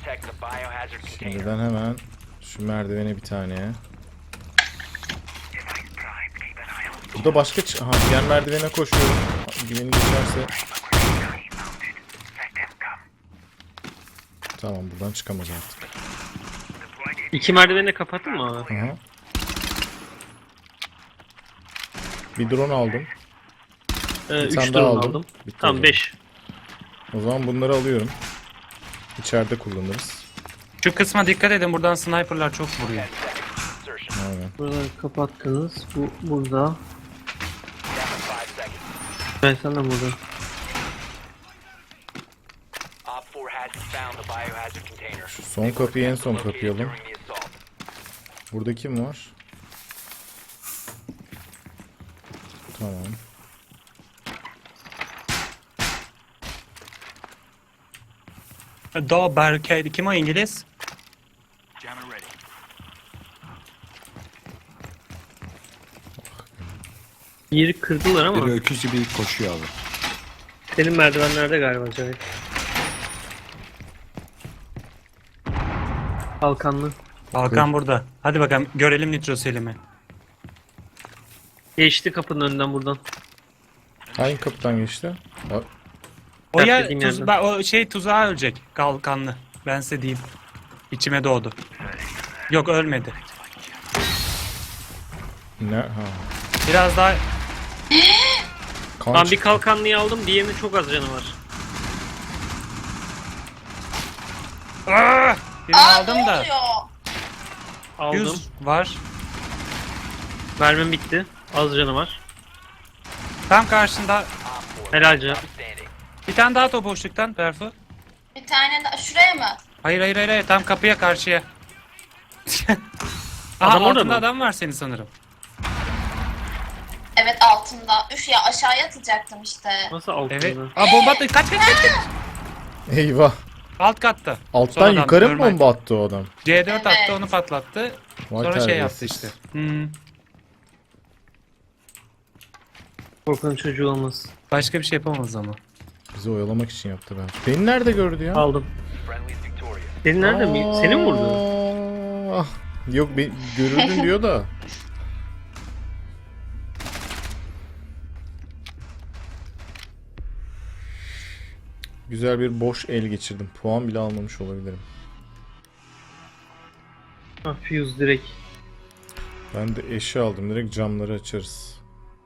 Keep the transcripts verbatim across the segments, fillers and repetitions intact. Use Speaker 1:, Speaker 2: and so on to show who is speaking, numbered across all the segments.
Speaker 1: Şimdiden hemen şu merdivene bir tane. Burada başka ç- aha diğer merdivene koşuyorum. Güveni geçerse. Tamam, buradan çıkamaz artık.
Speaker 2: İki merdiveni de kapattın mı abi?
Speaker 1: Aha. Bir drone aldım.
Speaker 2: Ee,
Speaker 1: Bir
Speaker 2: üç
Speaker 1: tane
Speaker 2: drone
Speaker 1: daha
Speaker 2: aldım.
Speaker 1: aldım. Bitti o
Speaker 2: Tamam
Speaker 1: zaman.
Speaker 2: beş.
Speaker 1: O zaman bunları alıyorum. İçeride kullanırız.
Speaker 3: Şu kısma dikkat edin, buradan sniperlar çok vuruyor.
Speaker 1: Aynen.
Speaker 2: Buraları kapattınız. Bu burada. Ben sen de burada.
Speaker 1: Şu son kapıyı en son kapayalım. Burada kim var? Tamam.
Speaker 3: Doğu Barricade, kim o İngiliz?
Speaker 2: Yeri kırdılar ama.
Speaker 4: Biri öküz gibi koşuyor abi.
Speaker 2: Senin merdivenlerde galiba Cahit. Kalkanlı.
Speaker 3: Balkan burada. Hadi bakalım görelim Nitro Selim'i.
Speaker 2: Geçti kapının önünden buradan.
Speaker 1: Hangi kapıdan geçti? Bak.
Speaker 3: O ya
Speaker 2: Terk dediğim
Speaker 3: tuz,
Speaker 2: yerden.
Speaker 3: ba- o şey tuzağa ölecek. Kalkanlı. Ben size diyeyim. İçime doğdu. Yok, ölmedi.
Speaker 1: Ne? Ha.
Speaker 3: Biraz daha
Speaker 1: Kan
Speaker 2: Ben bir
Speaker 1: çıktı.
Speaker 2: kalkanlıyı aldım. Diğerinin çok az canı var.
Speaker 3: Aa, birini
Speaker 5: Aa,
Speaker 3: aldım
Speaker 5: ne
Speaker 3: da.
Speaker 5: oluyor?
Speaker 2: Aldım.
Speaker 3: yüz var.
Speaker 2: Mermim bitti. Az canı var.
Speaker 3: Tam karşında
Speaker 2: Helal canım.
Speaker 3: bir tane daha top boşluktan Berfu.
Speaker 5: Bir tane daha şuraya mı?
Speaker 3: Hayır hayır hayır, hayır. Tam kapıya karşıya. Aha,
Speaker 2: Adam orada
Speaker 3: altında
Speaker 2: mı?
Speaker 3: adam var senin sanırım.
Speaker 5: Evet, altında. Üf ya, aşağıya atacaktım işte.
Speaker 2: Nasıl altında?
Speaker 3: Evet. Aa, bomba attı. Kaç kaç kaç kaç.
Speaker 1: Eyvah.
Speaker 3: Alt katta.
Speaker 1: Alttan
Speaker 3: Sonradan
Speaker 1: yukarı mı
Speaker 3: normal.
Speaker 1: bomba attı o adam?
Speaker 3: C dört
Speaker 5: Evet.
Speaker 3: attı, onu patlattı.
Speaker 1: Vay
Speaker 3: Sonra şey yaptı
Speaker 1: terbiyesiz.
Speaker 3: işte. Hmm.
Speaker 2: Korkan çocuğu olmaz.
Speaker 3: Başka bir şey yapamaz ama.
Speaker 1: Bizi oyalamak için yaptı ben. Beni nerede gördü ya?
Speaker 2: Aldım. Senin nerede mi? Seni mi vurdu?
Speaker 1: Ah. Yok, ben görürdün diyor da. Güzel bir boş el geçirdim. Puan bile almamış olabilirim.
Speaker 2: Ha, fuse direkt.
Speaker 1: Ben de eşi aldım. Direkt camları açarız.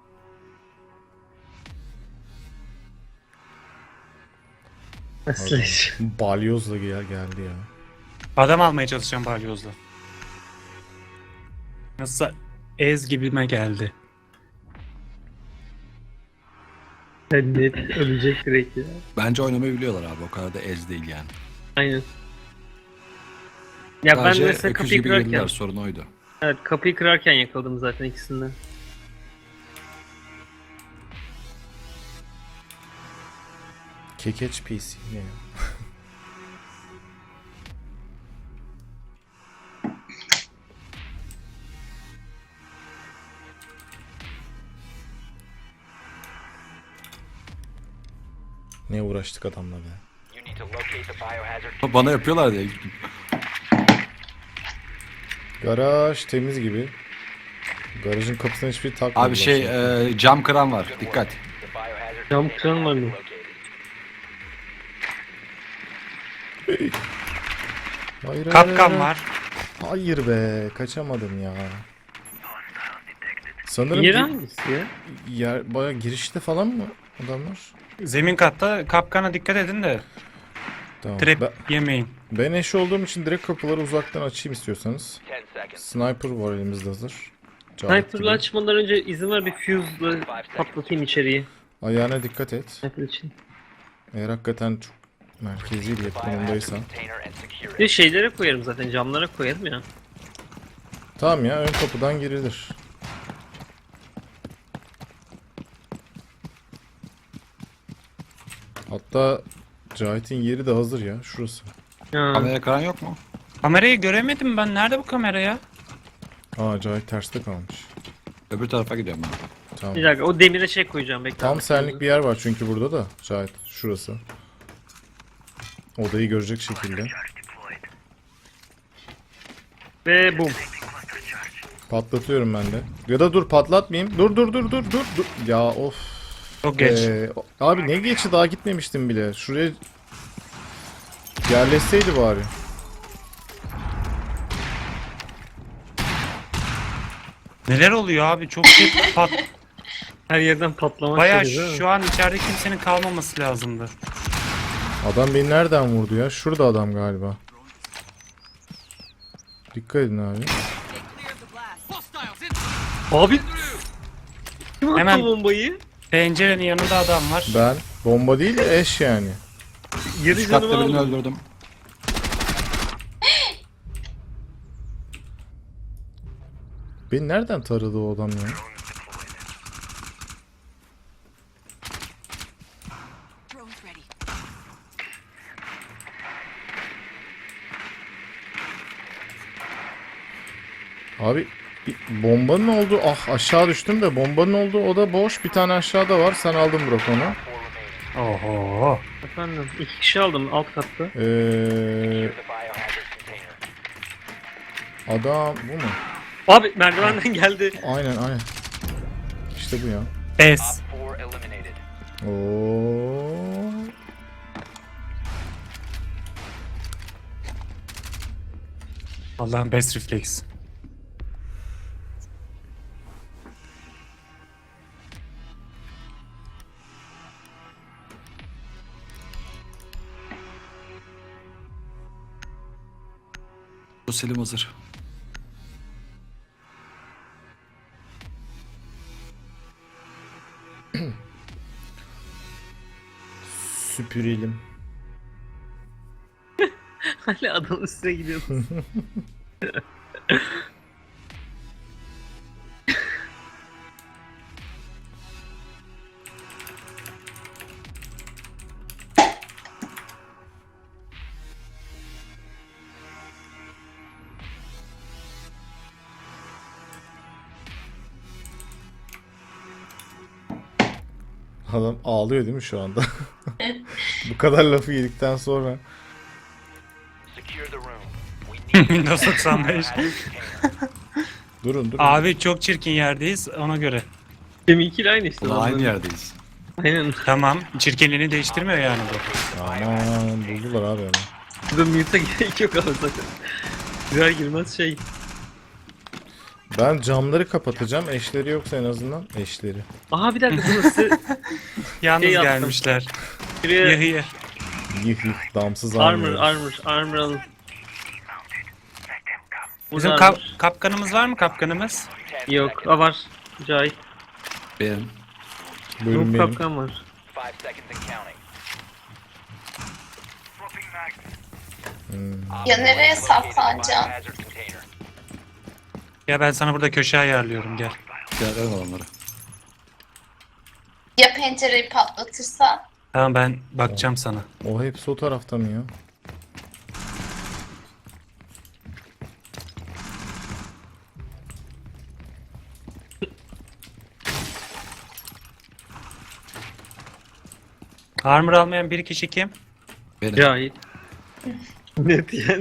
Speaker 2: Slash.
Speaker 1: Balyozla gel geldi ya.
Speaker 3: Adam almaya çalışacağım balyozla. Nasıl ez gibime geldi.
Speaker 2: Net ölecek direkt ya.
Speaker 4: Bence oynamayı biliyorlar abi. O kadar da ez değil yani.
Speaker 2: Aynen. Ya
Speaker 4: Sadece
Speaker 2: ben mesela
Speaker 4: öküz
Speaker 2: kapıyı
Speaker 4: gibi
Speaker 2: kırarken,
Speaker 4: girdiler, sorun oydu.
Speaker 2: evet kapıyı kırarken yakaladım zaten ikisinden.
Speaker 1: Kekeç P C ne ya? Ne uğraştık adamla be.
Speaker 4: Bana yapıyorlar diye.
Speaker 1: Garaj temiz gibi. Garajın kapısına hiçbir takmadılar.
Speaker 4: Abi şey e, cam kıran var. Dikkat.
Speaker 2: Cam kıran var mı?
Speaker 1: Hayır, hayır,
Speaker 3: Kapkan
Speaker 1: hayır.
Speaker 3: var.
Speaker 1: Hayır be, kaçamadım ya. Sanırım
Speaker 2: Yeri
Speaker 1: gi-
Speaker 2: hangisi ya?
Speaker 1: yer baya girişte falan mı adamlar?
Speaker 3: Zemin katta, kapkana dikkat edin de
Speaker 1: Tamam.
Speaker 3: trap
Speaker 1: Ben,
Speaker 3: yemeyin.
Speaker 1: ben eş olduğum için direkt kapıları uzaktan açayım istiyorsanız. Sniper var elimizde hazır. Cahit
Speaker 2: Sniper'la
Speaker 1: gibi.
Speaker 2: açmadan önce izin ver bir fuse'la patlatayım içeriği.
Speaker 1: Ayağına dikkat et.
Speaker 2: Sniper için.
Speaker 1: Eğer hakikaten çok merkezi bir konumdaysan.
Speaker 2: Bir de şeylere koyarım zaten, camlara koyarım ya.
Speaker 1: Tamam ya, ön kapıdan girilir. Hatta Cahit'in yeri de hazır ya, şurası.
Speaker 2: Ha.
Speaker 4: Kamera kıran yok mu?
Speaker 3: Kamerayı göremedim ben. Nerede bu kamera ya?
Speaker 1: Aa, Cahit terste kalmış.
Speaker 4: Öbür tarafa gidiyorum ben.
Speaker 1: Tamam.
Speaker 2: Bir dakika, o demire şey koyacağım, bekle.
Speaker 1: Tam senlik bir yer var çünkü burada da Cahit, şurası. Odayı görecek şekilde.
Speaker 2: Ve bum.
Speaker 1: Patlatıyorum ben de. Ya da dur patlatmayayım. Dur dur dur dur dur. dur. Ya of.
Speaker 3: Çok geç.
Speaker 1: Ee, abi ne geçi daha gitmemiştim bile. Şuraya yerleşseydi bari.
Speaker 3: Neler oluyor abi? Çok şey pat.
Speaker 2: Her yerden patlamak
Speaker 3: Bayağı
Speaker 2: geliyor, değil mi?
Speaker 3: şu an içeride kimsenin kalmaması lazımdı.
Speaker 1: Adam beni nereden vurdu ya? Şurada adam galiba. Dikkat edin abi.
Speaker 2: Abi. Kim attı
Speaker 3: Hemen-
Speaker 2: bombayı?
Speaker 3: Pencerenin yanında adam var.
Speaker 1: Ben bomba değil de eş yani.
Speaker 2: Yarı
Speaker 4: Üst
Speaker 2: canımı
Speaker 4: katta birini
Speaker 2: aldım.
Speaker 4: öldürdüm.
Speaker 1: Beni nereden taradı o adam ya?
Speaker 6: Drone's ready.
Speaker 1: Abi bir bombanın olduğu ah aşağı düştüm de bombanın olduğu oda boş. Bir tane aşağıda var. Sen aldın Burak onu.
Speaker 3: Oho.
Speaker 2: Efendim iki kişi aldım alt katta.
Speaker 1: Ee, adam bu mu?
Speaker 2: Abi merdivenden geldi.
Speaker 1: Aynen aynen. İşte bu ya.
Speaker 3: Es.
Speaker 1: Oo.
Speaker 3: Allah'ın best reflex.
Speaker 4: Sosyalim hazır.
Speaker 1: Süpürelim.
Speaker 2: Hala adamın üstüne gidiyorsun.
Speaker 1: Adam ağlıyor değil mi şu anda? Bu kadar lafı yedikten sonra.
Speaker 3: Windows doksan beş.
Speaker 1: Durun durun.
Speaker 3: Abi çok çirkin yerdeyiz ona göre.
Speaker 2: Deminkiyle aynı işte.
Speaker 4: Ulan aynı
Speaker 2: adamların.
Speaker 4: yerdeyiz.
Speaker 2: Aynen.
Speaker 3: Tamam. Çirkinliğini değiştirmiyor yani bu.
Speaker 1: Aman buldular abi onu.
Speaker 2: Burada mute'a gerek yok abi zaten. Girer girmez şey.
Speaker 1: Ben camları kapatacağım. Eşleri yoksa en azından eşleri.
Speaker 2: Aha bir dakika burası.
Speaker 3: Yalnız
Speaker 2: Şey yaptım.
Speaker 3: gelmişler.
Speaker 2: Şuraya
Speaker 3: Yahıya.
Speaker 1: Yih yih damsız
Speaker 2: armor
Speaker 1: almıyor.
Speaker 2: armor armor alın.
Speaker 3: Bizim
Speaker 2: Burada
Speaker 3: kap
Speaker 2: armor.
Speaker 3: kapkanımız var mı kapkanımız?
Speaker 2: Yok. Aa var. Cahit.
Speaker 4: Benim.
Speaker 1: Bölüm
Speaker 2: Yok
Speaker 1: benim.
Speaker 2: kapkan var.
Speaker 5: Ya nereye saklanacağım?
Speaker 3: Ya ben sana burada köşe ayarlıyorum gel.
Speaker 4: Gel ön onları.
Speaker 5: Ya pencereyi patlatırsa?
Speaker 3: Tamam ben bakacağım sana.
Speaker 1: O hepsi o tarafta mı ya?
Speaker 3: Armor almayan bir kişi kim?
Speaker 4: Benim.
Speaker 2: Cahit. Net yani.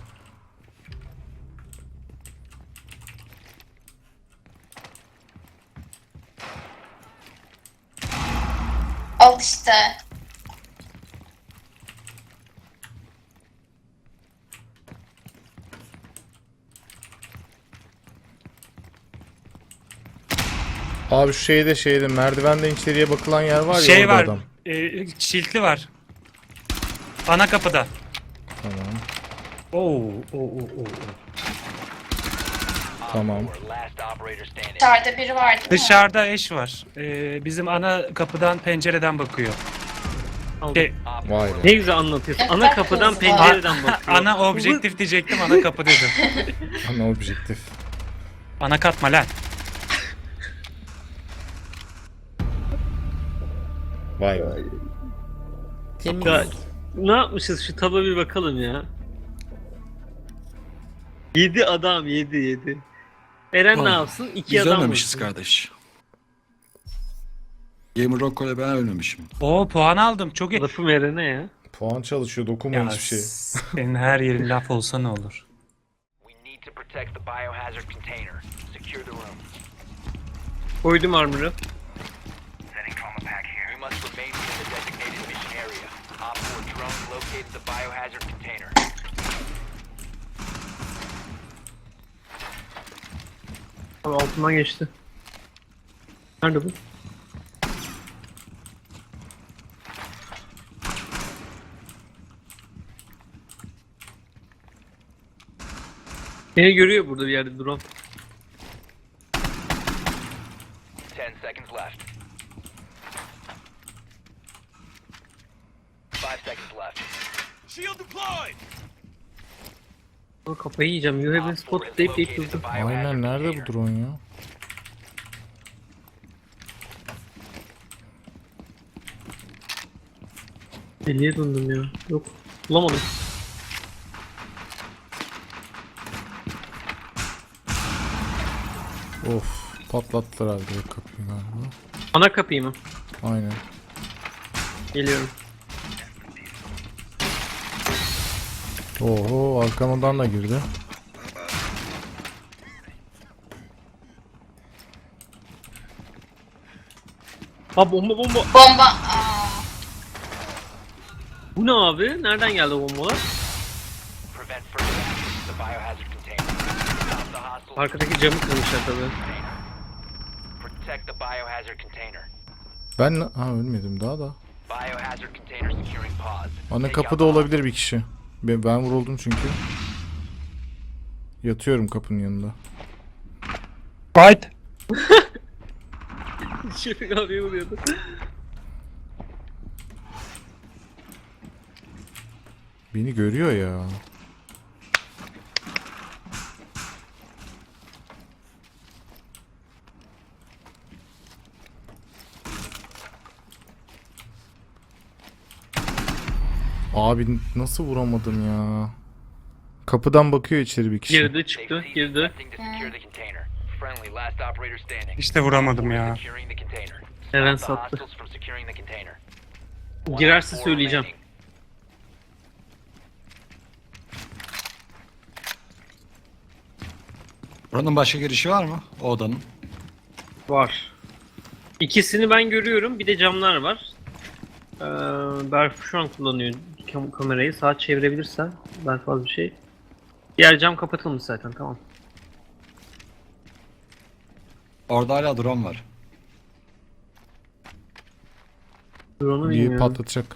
Speaker 5: Al işte.
Speaker 1: Abi şu şeyde şeyde merdivenden içeriye bakılan yer var ya
Speaker 3: şey
Speaker 1: orada
Speaker 3: var.
Speaker 1: adam.
Speaker 3: E, şiltli var. Ana kapıda.
Speaker 1: Tamam.
Speaker 3: Oo, oo, oo, oo.
Speaker 1: Tamam.
Speaker 5: Dışarıda biri var değil mi?
Speaker 3: Dışarıda eş var. Ee, bizim ana kapıdan pencereden bakıyor.
Speaker 2: Aldım.
Speaker 3: Şey,
Speaker 1: Vay
Speaker 2: Ne
Speaker 1: be.
Speaker 2: güzel anlatıyorsun.
Speaker 5: Ne
Speaker 2: Ana
Speaker 5: kadar
Speaker 2: kapıdan
Speaker 5: hızlı.
Speaker 2: pencereden bakıyor.
Speaker 3: ana objektif diyecektim ana kapı dedim.
Speaker 1: Ana objektif.
Speaker 3: Ana katma lan.
Speaker 1: Vay be.
Speaker 2: Ya, ne yapmışız şu taba bir bakalım ya. Yedi adam yedi yedi. Eren ne
Speaker 4: Oğlum,
Speaker 2: yapsın? İki
Speaker 4: Biz
Speaker 2: adam
Speaker 4: ölmemişiz
Speaker 2: vursun.
Speaker 4: kardeş. Gamer Rocco ile ben ölmemişim.
Speaker 3: Oo puan aldım çok iyi.
Speaker 2: Lafım Eren'e ya.
Speaker 1: Puan çalışıyor dokunmayın
Speaker 3: Ya
Speaker 1: hiçbir şey.
Speaker 3: senin her yerin laf olsa ne olur.
Speaker 6: protects the biohazard container. Secure the room.
Speaker 2: Koydum armor'ı.
Speaker 6: You must remain within the designated mission area. Op four drone located the biohazard container.
Speaker 2: Abi altından geçti. Nerede bu? Beni görüyor burada bir yerde drone.
Speaker 6: Ten seconds left. Five seconds left.
Speaker 2: Ama kafayı yiyeceğim. You have been spotted deyip deyip durdu.
Speaker 1: Aynen, nerede bu drone ya?
Speaker 2: Deliye döndüm ya. Yok. Bulamadım.
Speaker 1: Of, patlattılar abi direkt kapıyı galiba.
Speaker 2: Ana kapıyı mı?
Speaker 1: Aynen.
Speaker 2: Geliyorum.
Speaker 1: Oho, arkamdan da girdi.
Speaker 2: Ha bomba bomba.
Speaker 5: Bomba. Aa,
Speaker 2: Bu ne abi? Nereden geldi o bombalar?
Speaker 6: Prevent further access to the biohazard container. Stop the hostiles.
Speaker 2: Arkadaki camı kırmışlar tabii.
Speaker 6: Protect the biohazard container.
Speaker 1: Ben ha ölmedim daha da.
Speaker 6: Biohazard container securing pods.
Speaker 1: Ana
Speaker 6: Take
Speaker 1: kapıda
Speaker 6: out
Speaker 1: olabilir bir kişi. Ben, ben vuruldum çünkü. Yatıyorum kapının yanında.
Speaker 3: Fight.
Speaker 2: Şefik abiye vuruyordu.
Speaker 1: Beni görüyor ya. Abi nasıl vuramadım ya? Kapıdan bakıyor içeri bir kişi.
Speaker 2: Girdi
Speaker 6: They've
Speaker 2: çıktı
Speaker 6: ceased
Speaker 2: girdi.
Speaker 6: attempting to secure the container. Friendly, last operator standing.
Speaker 3: İşte vuramadım ya.
Speaker 6: Securing the container.
Speaker 2: Eren
Speaker 6: Stop the
Speaker 2: sattı.
Speaker 6: hostiles from securing the container. One
Speaker 2: Girerse
Speaker 6: op four
Speaker 2: söyleyeceğim.
Speaker 6: remaining.
Speaker 4: Buranın başka girişi var mı? O odanın.
Speaker 2: Var. İkisini ben görüyorum. Bir de camlar var. Ee, Berf şu an kullanıyor kam- kamerayı. Sağa çevirebilirsen Berf az bir şey. Diğer cam kapatılmış zaten, tamam.
Speaker 4: Orada hala drone var.
Speaker 2: Drone'u
Speaker 1: Bir
Speaker 2: bilmiyorum.
Speaker 1: patlatacak.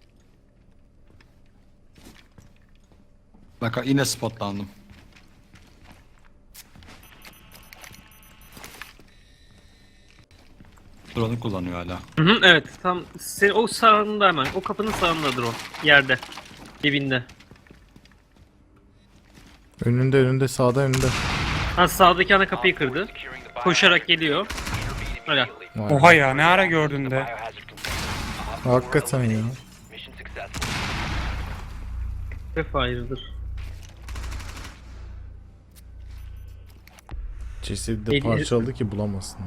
Speaker 4: Bak yine spotlandım. Drone'u kullanıyor hala.
Speaker 2: Hı hı, evet tam sen, o sağında hemen. O kapının sağında drone. Yerde. Dibinde.
Speaker 1: Önünde önünde sağda önünde.
Speaker 2: Ha sağdaki ana kapıyı kırdı.
Speaker 6: Securing the
Speaker 2: Koşarak geliyor. Öyle.
Speaker 1: Vay.
Speaker 3: Oha ya, ne ara gördün de.
Speaker 6: biohazard container. Op four
Speaker 1: Hakikaten ya.
Speaker 6: eliminated. Mission successful.
Speaker 2: Hep hayırdır.
Speaker 1: Cesedi de
Speaker 2: Eli-
Speaker 1: parçaladı ki bulamasınlar.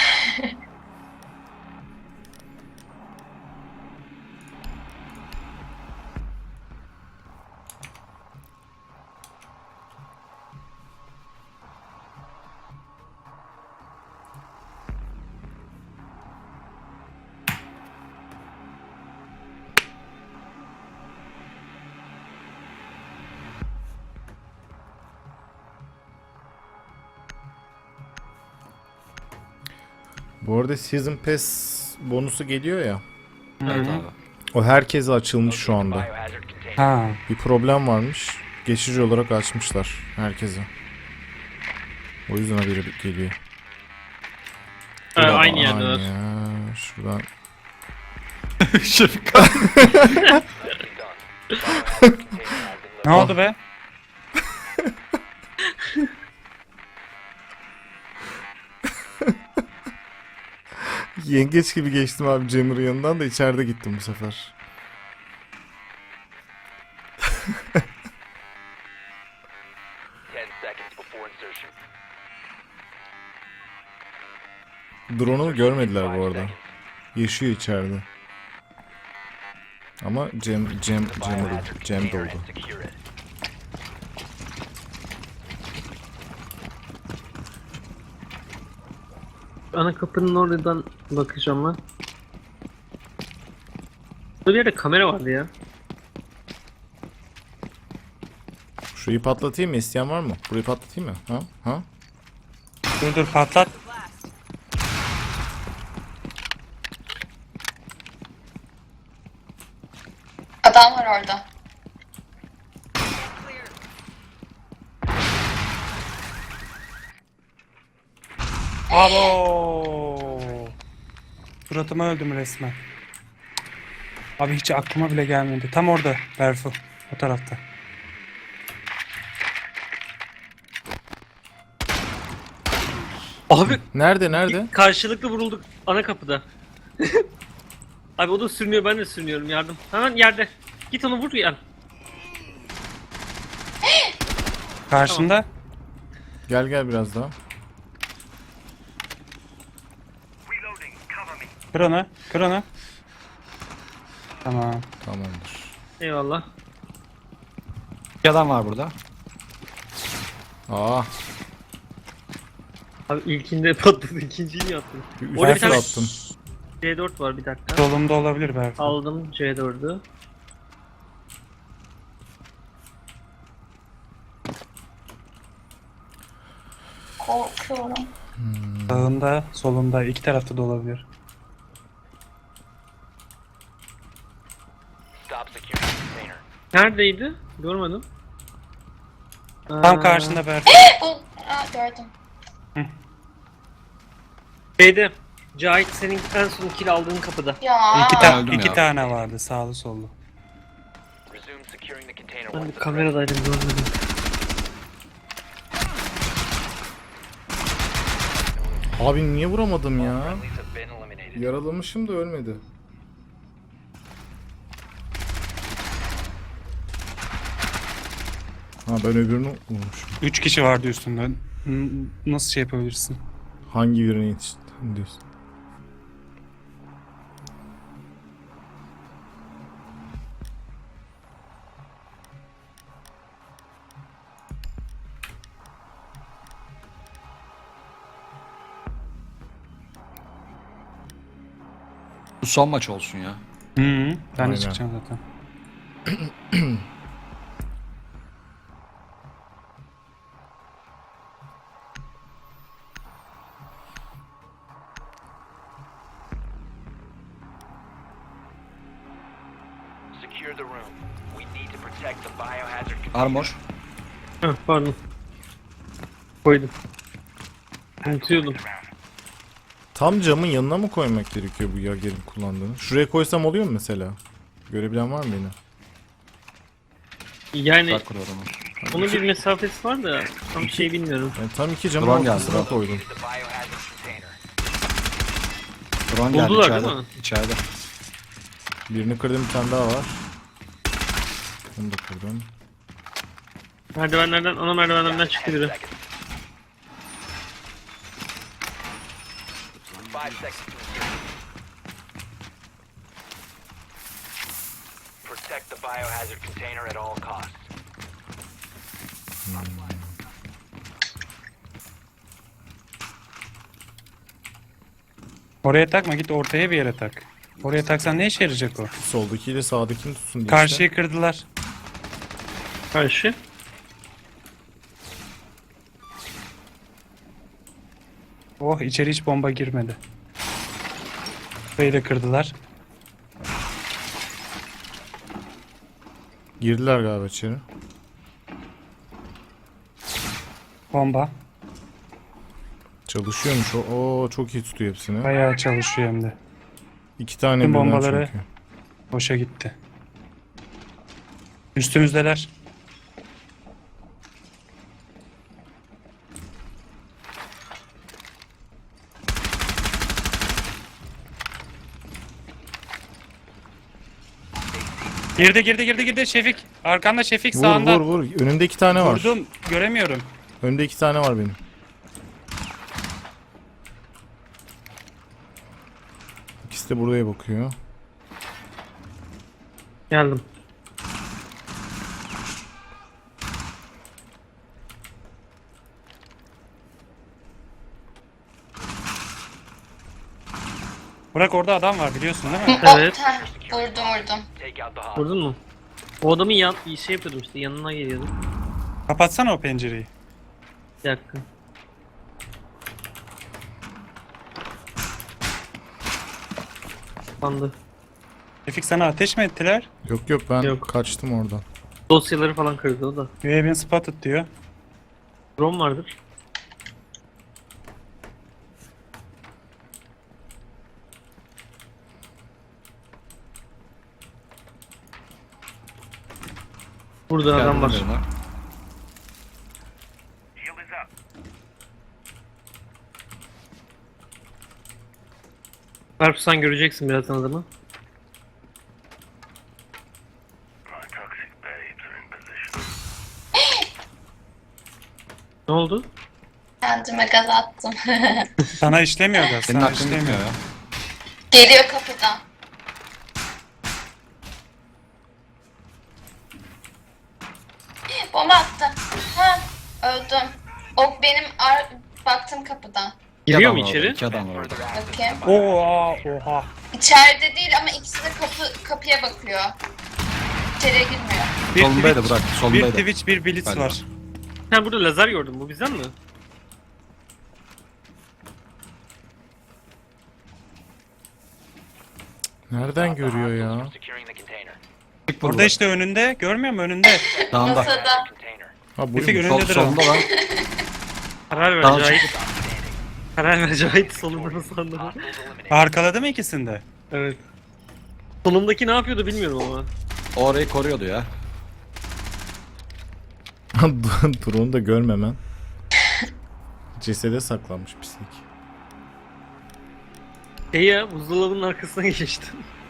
Speaker 1: Bu arada Season Pass bonusu geliyor ya.
Speaker 4: Evet abi.
Speaker 1: O herkese açılmış şu anda.
Speaker 6: Biohazard container.
Speaker 3: Ha.
Speaker 1: Bir problem varmış. Geçici olarak açmışlar herkese. O yüzden haberi geliyor.
Speaker 2: Ha, aynı yerdeler.
Speaker 1: Aman ya, şuradan.
Speaker 4: Şefik
Speaker 6: Done. Biohazard container has been
Speaker 3: Ne oldu be?
Speaker 1: Yengeç gibi geçtim abi Cemur'un yanından da içeride gittim bu sefer.
Speaker 6: ten seconds before insertion.
Speaker 1: Drone'u görmediler bu
Speaker 6: Five
Speaker 1: arada.
Speaker 6: seconds.
Speaker 1: Yaşıyor içeride. Ama Cem, Cem, Cem,
Speaker 6: Biohazard
Speaker 1: Cem
Speaker 6: container
Speaker 1: doldu.
Speaker 6: and secure it.
Speaker 2: Ana kapının oradan bakacağım ben. Burada bir yerde kamera vardı ya.
Speaker 1: Şurayı patlatayım mı? İsteyen var mı? Burayı patlatayım mı? Ha? Ha?
Speaker 3: Dur dur patlat.
Speaker 5: Adam var orada.
Speaker 3: Abo. Suratıma öldüm resmen. Abi hiç aklıma bile gelmedi. Tam orada Berfu. O tarafta.
Speaker 2: Abi
Speaker 1: Nerede nerede?
Speaker 2: karşılıklı vurulduk ana kapıda. Abi o da sürünüyor, ben de sürünüyorum, yardım. Hemen yerde. Git onu vur yani.
Speaker 3: Karşında.
Speaker 1: Gel gel biraz daha.
Speaker 3: Kır onu. Kır onu. Tamam.
Speaker 1: Tamamdır.
Speaker 2: Eyvallah.
Speaker 4: Bir adam var burada.
Speaker 1: Aa,
Speaker 2: Abi ilkinde patladı, ikinciyi mi yaptın?
Speaker 1: bir
Speaker 2: Orada bir
Speaker 1: üç
Speaker 2: tane
Speaker 1: attım.
Speaker 2: C dört var, bir dakika.
Speaker 3: Solumda olabilir Berfu.
Speaker 2: Aldım C dördü.
Speaker 5: Korkuyorum.
Speaker 3: Sağında, solunda, iki tarafta da olabilir.
Speaker 6: Stop securing the container.
Speaker 2: Neredeydi? Görmedim.
Speaker 3: Tam
Speaker 2: Aa,
Speaker 3: karşında Berfu.
Speaker 5: Bu, aa, gördüm.
Speaker 2: Şeyde. Cahit, senin en son kill aldığın kapıda.
Speaker 5: Ya.
Speaker 3: İki, ta
Speaker 4: Öldüm
Speaker 3: iki
Speaker 4: ya.
Speaker 3: tane vardı sağlı sollu.
Speaker 6: Resume securing the container
Speaker 2: Ben
Speaker 6: once
Speaker 2: bir
Speaker 6: the
Speaker 2: kameradaydım, görmedim.
Speaker 1: Abi niye vuramadım ya?
Speaker 6: friendlies have been eliminated.
Speaker 1: Yaralamışım da ölmedi. Ha ben öbürünü vurmuşum.
Speaker 3: Üç kişi vardı üstünde. N- Nasıl şey yapabilirsin?
Speaker 1: Hangi birine yetiştin diyorsun?
Speaker 4: Bu son maç olsun ya.
Speaker 3: Hı -hı. Ben
Speaker 1: Aynen.
Speaker 3: de çıkacağım zaten.
Speaker 6: Secure the room. We need to protect the biohazard container.
Speaker 4: Armor.
Speaker 2: Heh, pardon. Koydum. Unutuyordum.
Speaker 1: Tam camın yanına mı koymak gerekiyor bu Yager'in kullandığını? Şuraya koysam oluyor mu mesela? Görebilen var mı beni?
Speaker 2: Yani
Speaker 4: Bak kuruyorum.
Speaker 2: onun bir mesafesi var da tam şey bilmiyorum.
Speaker 1: Yani tam iki camın
Speaker 4: Drone geldi,
Speaker 1: ortasına
Speaker 4: drone.
Speaker 1: koydum.
Speaker 6: The biohazard container.
Speaker 4: Drone geldi
Speaker 2: Buldular
Speaker 4: içeride.
Speaker 2: değil mi?
Speaker 4: İçeride.
Speaker 1: Birini kırdım, bir tane daha var. Onu da kırdım.
Speaker 2: Merdivenlerden, ana merdivenlerden çıktı biri.
Speaker 6: Seconds. Five seconds to insertion. Protect the biohazard container at all costs.
Speaker 3: Oraya takma, git ortaya bir yere tak. Oraya taksan ne işe yarayacak o?
Speaker 1: Soldakiyle sağdakini tutsun diye
Speaker 3: Karşıyı kırdılar.
Speaker 2: Karşı.
Speaker 3: Oh, içeri hiç bomba girmedi. Burayı da kırdılar.
Speaker 1: Girdiler galiba içeri.
Speaker 3: Bomba.
Speaker 1: Çalışıyormuş o. Oo çok iyi tutuyor hepsini.
Speaker 3: Bayağı çalışıyor hem de.
Speaker 1: İki tane
Speaker 3: Tüm
Speaker 1: birden
Speaker 3: bombaları-
Speaker 1: çünkü.
Speaker 3: Boşa gitti. Üstümüzdeler. Girdi girdi girdi girdi Şefik. Arkanda Şefik
Speaker 1: Vur
Speaker 3: sağında.
Speaker 1: vur vur. Önümde iki tane var.
Speaker 3: Vurdum. Göremiyorum.
Speaker 1: Önümde iki tane var benim. İkisi de buraya bakıyor.
Speaker 2: Geldim.
Speaker 3: Burak orada adam var biliyorsun değil mi?
Speaker 5: O,
Speaker 2: Evet.
Speaker 5: heh, vurdum vurdum.
Speaker 6: Take out the hostage.
Speaker 2: Vurdun mu? O adamın yan, şey yapıyordum işte yanına geliyordum.
Speaker 3: Kapatsana o pencereyi.
Speaker 2: Bir dakika. Kapandı.
Speaker 3: Tevfik sana ateş mi ettiler?
Speaker 1: Yok yok ben
Speaker 2: Yok.
Speaker 1: kaçtım oradan.
Speaker 2: Dosyaları falan kırdı o da.
Speaker 3: You have been spotted diyor.
Speaker 2: Drone vardır. Burada adam var.
Speaker 4: Geldim yanına.
Speaker 2: Berfu sen göreceksin birazdan adamı. Ne oldu?
Speaker 5: Kendime gaz attım.
Speaker 3: Sana işlemiyor gaz.
Speaker 4: Senin
Speaker 3: Sana
Speaker 4: aklın
Speaker 3: işlemiyor.
Speaker 4: gitmiyor ya.
Speaker 5: Geliyor kapıdan. Bomba attı. Ha, öldüm. O benim ar baktım kapıdan.
Speaker 4: İki
Speaker 2: Giriyor
Speaker 4: adam
Speaker 2: mu
Speaker 4: var
Speaker 2: içeri?
Speaker 4: orada, İki adam var orada.
Speaker 5: Bakayım.
Speaker 3: Oha oha.
Speaker 5: İçeride değil ama ikisi de kapı kapıya bakıyor. İçeriye girmiyor.
Speaker 3: Bir
Speaker 4: Solundaydı
Speaker 3: Twitch,
Speaker 4: Burak,
Speaker 3: bir
Speaker 4: solundaydı.
Speaker 3: Twitch bir Blitz
Speaker 4: Galiba.
Speaker 3: var.
Speaker 2: Ha burada lazer gördüm, bu bizden mi?
Speaker 1: Nereden görüyor ya?
Speaker 6: Securing the container.
Speaker 4: Çık
Speaker 3: Orada
Speaker 4: burada.
Speaker 3: işte önünde. Görmüyor musun önünde?
Speaker 4: Dağında.
Speaker 5: Masada.
Speaker 6: Container.
Speaker 1: Ha
Speaker 3: Tevfik
Speaker 1: buymuş.
Speaker 4: Sol,
Speaker 3: önündedir o.
Speaker 4: solunda lan.
Speaker 2: Karar ver
Speaker 4: Tamam,
Speaker 2: Cahit. Karar ver Cahit sonunda nasıl anladın?
Speaker 6: Hostiles eliminated.
Speaker 3: Arkaladı mı ikisini de?
Speaker 2: Evet. Sonundaki ne yapıyordu bilmiyorum ama.
Speaker 4: O orayı koruyordu ya.
Speaker 1: Drone'u da görmemen. Cesede saklanmış pislik.
Speaker 2: Şey ya buzdolabının arkasına geçtim.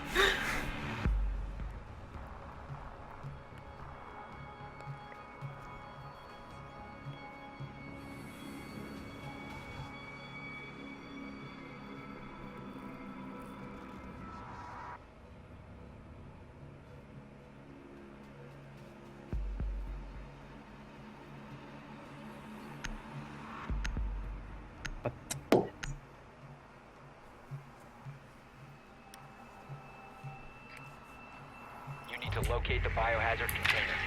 Speaker 6: You need to locate the biohazard container.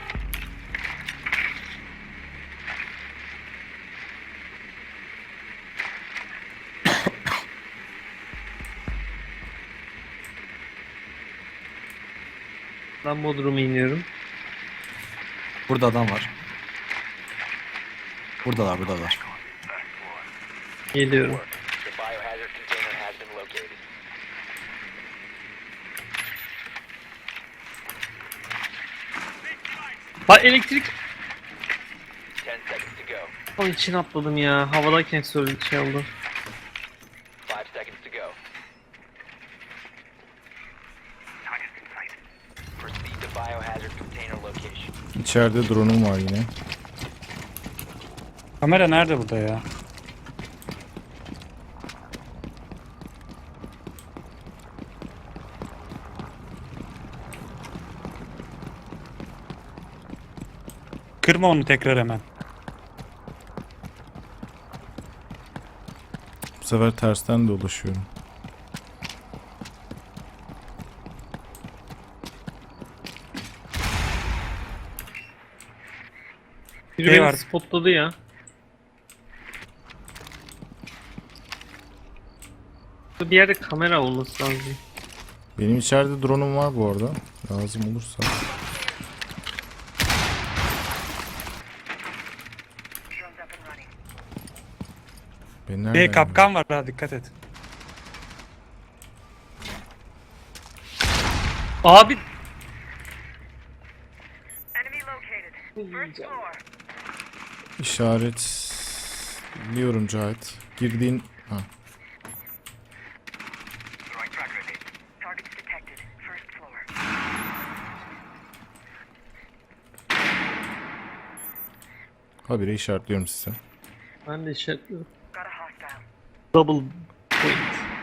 Speaker 2: Ben Bodrum'a iniyorum.
Speaker 4: Burada adam var. Buradalar, buradalar.
Speaker 2: Geliyorum.
Speaker 6: The biohazard container has been located.
Speaker 2: Bak elektrik.
Speaker 6: Ten seconds to go.
Speaker 2: Onun için atladım ya. Havadayken söyledi şey oldu.
Speaker 6: Five seconds to go. Proceed to biohazard container location.
Speaker 1: İçeride drone'um var yine.
Speaker 3: Kamera nerede burada ya? Kırma onu tekrar hemen.
Speaker 1: Bu sefer tersten dolaşıyorum.
Speaker 2: Biri
Speaker 3: Şey
Speaker 2: beni
Speaker 3: var.
Speaker 2: spotladı ya. Bir yerde kamera olması lazım.
Speaker 1: Benim içeride drone'um var bu arada. Lazım olursa. Beni nereden
Speaker 3: Bir kapkan var ha dikkat et.
Speaker 2: Abi
Speaker 1: İşaretliyorum Cahit. Girdiğin... Ha. Habire işaretliyorum size.
Speaker 2: ben de işaretliyorum. Double point.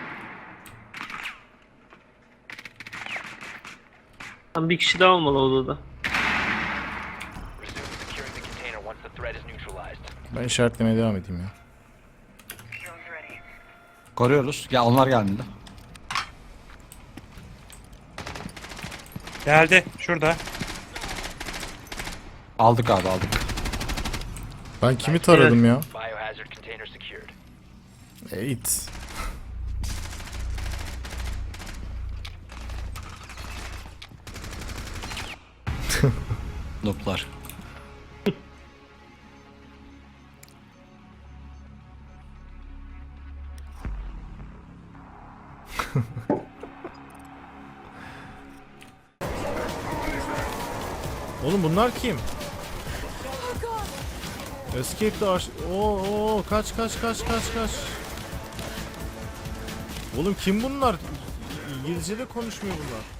Speaker 2: Tam bir kişi daha olmalı odada.
Speaker 6: Resume securing the container once the threat is neutralized.
Speaker 1: Ben işaretlemeye devam edeyim ya.
Speaker 4: Koruyoruz. Ya onlar gelmedi.
Speaker 3: Geldi. Şurada.
Speaker 4: Aldık abi aldık.
Speaker 1: Ben kimi taradım ya?
Speaker 6: Biohazard container secured.
Speaker 1: E, it.
Speaker 4: Noplar.
Speaker 1: Oğlum bunlar kim? Escape the aş... Oo, oo, kaç kaç kaç kaç kaç. Oğlum kim bunlar? İngilizce de konuşmuyor bunlar.